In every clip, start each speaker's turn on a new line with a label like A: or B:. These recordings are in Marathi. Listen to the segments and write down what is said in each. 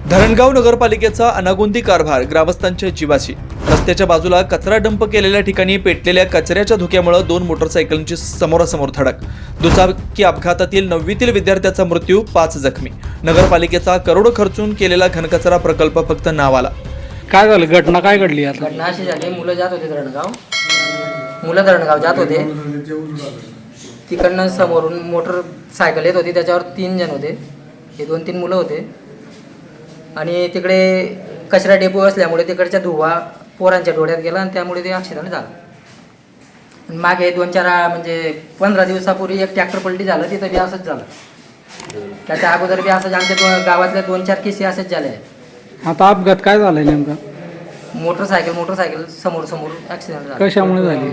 A: धरणगाव नगरपालिकेचा अनागोंदी कारभार ग्रामस्थांच्या जीवाशी। रस्त्याच्या बाजूला कचरा डंप केलेल्या ठिकाणी पेटलेल्या कचऱ्याच्या धुक्यामुळे 2 मोटरसायकलची समोरासमोर धडक। दुचाकी अपघातातील 9वीतील विद्यार्थ्याचा मृत्यू, 5 जखमी। नगरपालिकेचा करोडो खर्चून केलेला घनकचरा प्रकल्प फक्त नावाला।
B: काय झालं? घटना काय घडली? आता
C: घटना अशी झाली, मुलं धरणगाव जात होते। तिकडनं समोरून मोटरसायकल येत होती, त्याच्यावर 3 जण होते, हे 2-3 मुलं होते। आणि तिकडे कचरा डेपो असल्यामुळे तिकडच्या धुवा पोरांच्या डोळ्यात गेला आणि त्यामुळे ते ॲक्सिडेंट झालं। आणि मागे 2-4 म्हणजे 15 दिवसापूर्वी एक ट्रॅक्टर पलटी झालं, तिथं बी असंच झालं। त्याच्या अगोदर बी असंच आमच्या गावातल्या 2-4 केसी असंच झाले आहे।
B: आता अपघात काय झालाय नेमका?
C: मोटरसायकल समोर ॲक्सिडेंट झाला।
B: कशामुळे झाली?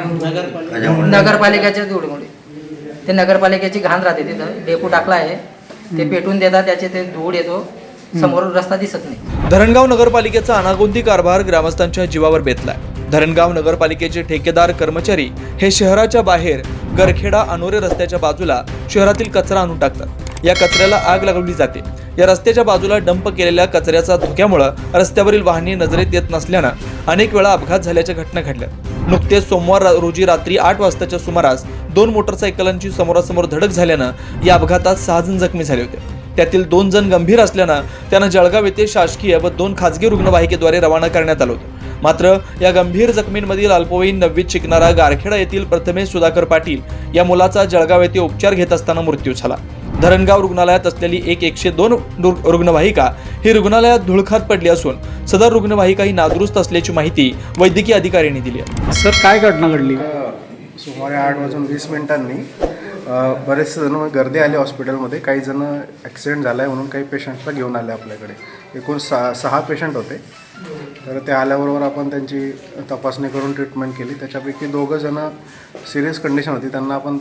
C: नगरपालिकेच्या धुळीमुळे। ते नगरपालिकेची घाण राहते, तिथं डेपो टाकला आहे, ते पेटून देतात, त्याचे ते धूळ येतो, समोर रस्ता दिसत नाही।
A: धरणगाव नगरपालिकेचा अनागोंदी कारभार ग्रामस्थांच्या जीवावर बेतलाय। धरणगाव नगरपालिकेचे ठेकेदार कर्मचारी हे शहराच्या बाहेर गरखेडा अनोरे रस्त्याच्या बाजूला शहरातील कचरा आणून टाकतात। या कचऱ्याला आग लागवली जाते। या रस्त्याच्या बाजूला डंप केलेल्या कचऱ्याचा धुक्यामुळे रस्त्यावरील वाहने नजरेत येत नसल्यानं अनेक वेळा अपघात झाल्याच्या घटना घडल्या। नुकतेच सोमवार रोजी रात्री 8 वाजताच्या सुमारास 2 मोटरसायकलांची समोरासमोर धडक झाल्यानं या अपघातात 6 जण जखमी झाले होते। त्यातील 2 जण गंभीर असल्यानं त्यांना जळगाव येथे शासकीय व 2 खासगी रुग्णवाहिकेद्वारे रवाना करण्यात आलं होतं। मात्र या गंभीर जखमींमधील अल्पवयीन 9वीत शिकणारा गारखेडा येथील प्रथमेश सुधाकर पाटील या मुलाचा जळगाव येथे उपचार घेत असताना मृत्यू झाला। धरणगाव रुग्णालयात असलेली 101 रुग्णवाहिका ही रुग्णालयात धुळखात पडली असून सदर रुग्णवाहिका ही नादुरुस्त असल्याची माहिती वैद्यकीय अधिकाऱ्यांनी दिली आहे।
B: सर, काय घटना घडली?
D: सुमारे 8:20 बरेचसे जण गर्दी आली हॉस्पिटलमध्ये। काही जण ॲक्सिडेंट झाला आहे म्हणून काही पेशंट्सला घेऊन आले आपल्याकडे। एकूण 6 पेशंट होते। तर ते आल्याबरोबर आपण त्यांची तपासणी करून ट्रीटमेंट केली। त्याच्यापैकी 2 जण सिरियस कंडिशन होती, त्यांना आपण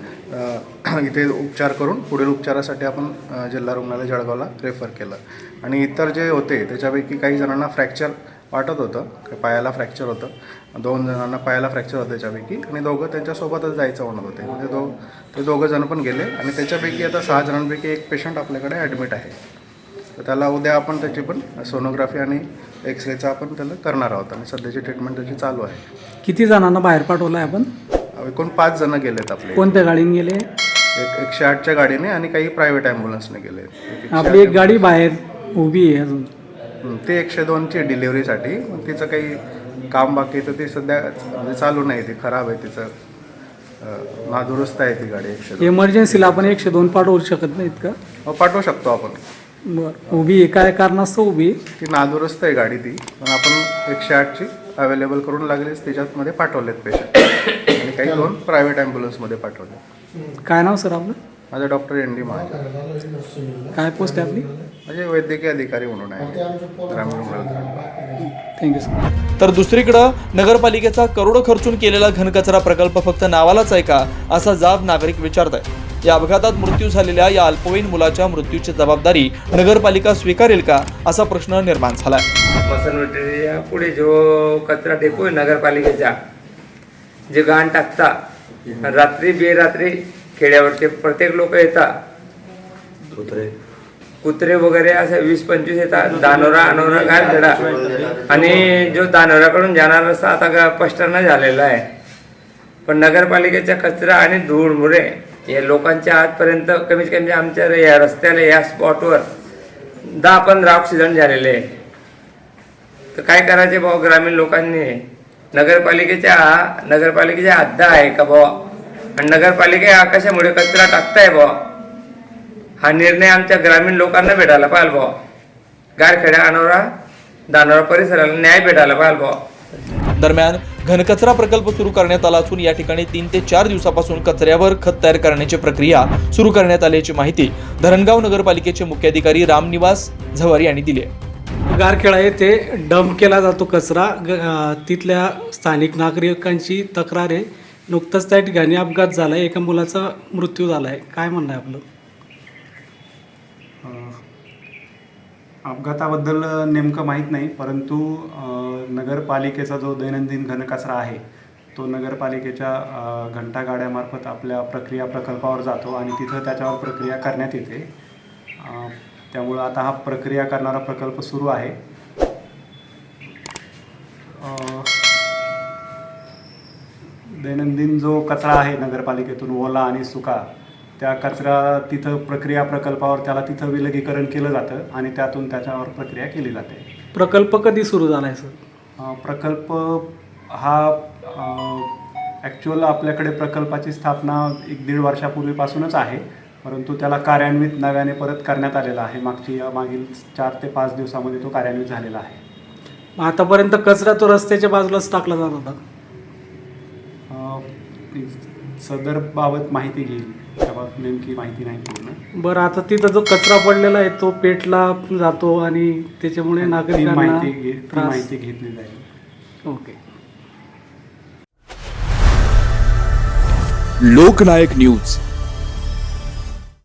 D: तात्काळ इथे उपचार करून पुढील उपचारासाठी आपण जिल्हा रुग्णालय जळगावला रेफर केलं। आणि इतर जे होते त्याच्यापैकी काही जणांना फ्रॅक्चर वाटत होतं, पायाला फ्रॅक्चर होतं, 2 जणांना पायाला फ्रॅक्चर होतं त्याच्यापैकी, आणि 2 त्यांच्यासोबतच जायचं म्हणत होते। म्हणजे ते 2 जण पण गेले। आणि त्याच्यापैकी आता 6 जणांपैकी 1 पेशंट आपल्याकडे ॲडमिट आहे। तर त्याला उद्या आपण त्याची पण सोनोग्राफी आणि एक्सरेचा आपण त्याला करणार आहोत आणि सध्याची ट्रीटमेंट त्याची चालू आहे।
B: किती जणांना बाहेर पाठवलं आहे आपण?
D: एकूण 5 जण गेलेत आपले।
B: कोणत्या गाडीने गेले?
D: 108च्या गाडीने आणि काही प्रायव्हेट ॲम्ब्युलन्सने गेले।
B: आपली एक गाडी बाहेर उभी आहे अजून।
D: ते 102ची डिलिव्हरीसाठी, तिचं काही काम बाकी तर ते सध्या म्हणजे चालू नाही, ती खराब आहे, तिचं नादुरुस्त आहे ती गाडी 102।
B: इमर्जन्सीला आपण 102 पाठवू शकत नाहीत का?
D: हो, पाठवू शकतो आपण।
B: बरं, उभी आहे काय कारणास्तव उभी?
D: ती नादुरुस्त आहे गाडी ती, पण आपण 108ची अवेलेबल करून लागलीच त्याच्यातमध्ये पाठवलेत पेशंट, आणि काही 2 प्रायव्हेट ॲम्ब्युलन्समध्ये पाठवले।
B: काय नाव सर आपलं?
D: माझं डॉक्टर ND महाजन।
B: काय पोस्ट आहे आपली?
D: म्हणजे वैद्यकीय अधिकारी म्हणून आहे ग्रामीण रुग्णालयात।
B: Thank you sir.
A: तर दुसरीकडे नगरपालिकेचा करोडो खर्चून केलेला घनकचरा प्रकल्प फक्त नावालाच आहे का, असा जाब नागरिक विचारतायत। या अपघातात मृत्यू झालेल्या या अल्पवयीन मुलाच्या मृत्यूची जबाबदारी नगरपालिका स्वीकारेल का, असा प्रश्न निर्माण झालाय।
E: मसनवटेच्या पुढे जो कचरा डेपो आहे नगरपालिकेचा, जे घाण टाकता रात्री बेरात्री खेड्यावरचे प्रत्येक लोक येतात, कुत्रे वगैरे असे 20-25 येतात, दानोरा अनोरा गारखेडा, आणि जो दानोराकडून जाणारा रस्ता आता पष्टांना झालेला आहे। पण नगरपालिकेचा कचरा आणि धूळमुळे या लोकांच्या आजपर्यंत कमीत कमी आमच्या या रस्त्याला या स्पॉटवर 10-15 ॲक्सिडेंट झालेले आहे। तर काय करायचे भाऊ ग्रामीण लोकांनी? नगरपालिकेच्या हद्द आहे का भाऊ? आणि नगरपालिका कशामुळे कचरा टाकताय भाऊ? हा निर्णय आमच्या ग्रामीण लोकांना भेटायला पाहिजे भाऊ। गारखेडा अनोरा दानोरा परिसराला न्याय भेटायला पाहिजे भाऊ।
A: दरम्यान घनकचरा प्रकल्प सुरू करण्यात आला असून या ठिकाणी 3 ते 4 दिवसापासून कचऱ्यावर खत तयार करण्याची प्रक्रिया सुरू करण्यात आल्याची माहिती धरणगाव नगरपालिकेचे मुख्याधिकारी रामनिवास झवर यांनी दिली आहे।
B: गारखेडा येथे डंप केला जातो कचरा। तिथल्या स्थानिक नागरिकांची तक्रार आहे। नुकताच त्या ठिकाणी अपघात झाला आहे, एका मुलाचा मृत्यू झाला आहे। काय म्हणणं आहे आपलं?
F: अपघाताबद्दल नेमकं माहीत नाही, परंतु नगरपालिकेचा जो दैनंदिन घनकचरा आहे तो नगरपालिकेच्या घंटागाड्यामार्फत आपल्या प्रक्रिया प्रकल्पावर जातो आणि तिथं त्याच्यावर प्रक्रिया करण्यात येते। त्यामुळं आता हा प्रक्रिया करणारा प्रकल्प सुरू आहे. दैनंदिन जो कचरा आहे नगरपालिकेतून ओला आणि सुका, त्या कचरा तिथं प्रक्रिया प्रकल्पावर त्याला तिथं विलगीकरण केलं जातं आणि त्यातून त्याच्यावर प्रक्रिया केली जाते.
B: प्रकल्प कधी सुरू झाला आहे सर?
F: प्रकल्प हा ॲक्च्युअल आपल्याकडे प्रकल्पाची स्थापना 1-1.5 वर्षापूर्वीपासूनच आहे, परंतु त्याला कार्यान्वित नव्याने परत करण्यात आलेला आहे. मागील 4 ते 5 दिवसामध्ये तो कार्यान्वित झालेला आहे.
B: मग आतापर्यंत कचरा तो रस्त्याच्या बाजूलाच टाकला जात होता.
F: सदर बाबत माहिती घेईल, त्याबाबत नेमकी माहिती नाही पूर्ण.
B: बरं, आता तिथं जो कचरा पडलेला आहे तो पेटला जातो आणि त्याच्यामुळे
F: ती
B: नागरिकांना
F: माहिती घेतली जाईल.
B: ओके.
G: लोकनायक न्यूज